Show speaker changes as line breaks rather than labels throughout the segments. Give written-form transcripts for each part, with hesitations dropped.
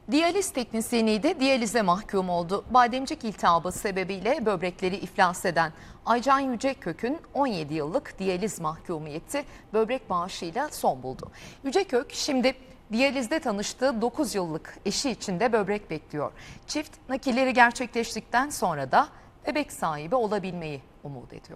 Diyaliz teknisyeniydi, diyalize mahkum oldu. Bademcik iltihabı sebebiyle böbrekleri iflas eden Aycan Yücekök'ün 17 yıllık diyaliz mahkumiyeti böbrek bağışıyla son buldu. Yücekök şimdi diyalizde tanıştığı 9 yıllık eşi için de böbrek bekliyor. Çift nakilleri gerçekleştikten sonra da bebek sahibi olabilmeyi umut ediyor.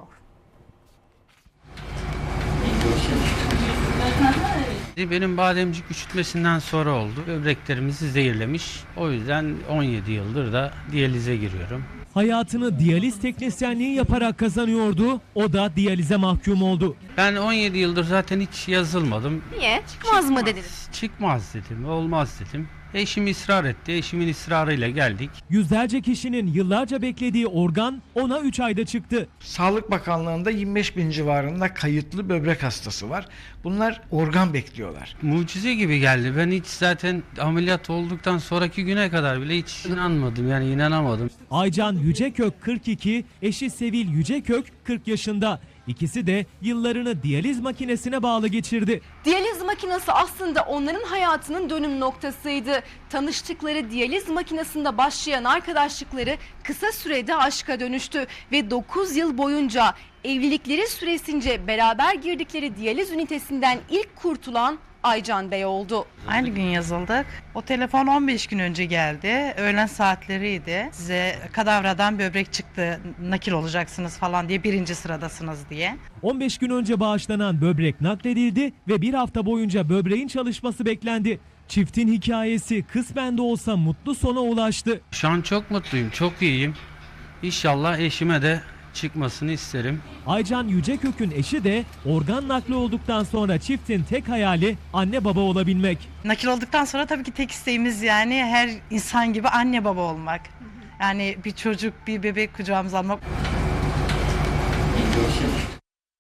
Benim bademcik üşütmesinden sonra oldu. Böbreklerimizi zehirlemiş. O yüzden 17 yıldır da diyalize giriyorum.
Hayatını diyaliz teknisyenliği yaparak kazanıyordu. O da diyalize mahkum oldu.
Ben 17 yıldır zaten hiç yazılmadım.
Niye? Çıkmaz mı dediniz?
Çıkmaz dedim, olmaz dedim. Eşim ısrar etti. Eşimin ısrarıyla geldik.
Yüzlerce kişinin yıllarca beklediği organ ona 3 ayda çıktı.
Sağlık Bakanlığı'nda 25 bin civarında kayıtlı böbrek hastası var. Bunlar organ bekliyorlar.
Mucize gibi geldi. Ben hiç zaten ameliyat olduktan sonraki güne kadar bile hiç inanmadım. Yani inanamadım.
Aycan Yücekök 42, eşi Sevil Yücekök 40 yaşında. İkisi de yıllarını diyaliz makinesine bağlı geçirdi.
Diyaliz makinesi aslında onların hayatının dönüm noktasıydı. Tanıştıkları diyaliz makinesinde başlayan arkadaşlıkları kısa sürede aşka dönüştü ve 9 yıl boyunca evlilikleri süresince beraber girdikleri diyaliz ünitesinden ilk kurtulan Aycan Bey oldu.
Aynı gün yazıldık. O telefon 15 gün önce geldi. Öğlen saatleriydi. Size kadavradan böbrek çıktı, nakil olacaksınız falan diye, birinci sıradasınız diye.
15 gün önce bağışlanan böbrek nakledildi ve bir hafta boyunca böbreğin çalışması beklendi. Çiftin hikayesi kısmen de olsa mutlu sona ulaştı.
Şu an çok mutluyum, çok iyiyim. İnşallah eşime de çıkmasını isterim.
Aycan Yücekök'ün eşi de organ nakli olduktan sonra çiftin tek hayali anne baba olabilmek.
Nakil olduktan sonra tabii ki tek isteğimiz, yani her insan gibi anne baba olmak. Yani bir çocuk, bir bebek kucağımıza almak.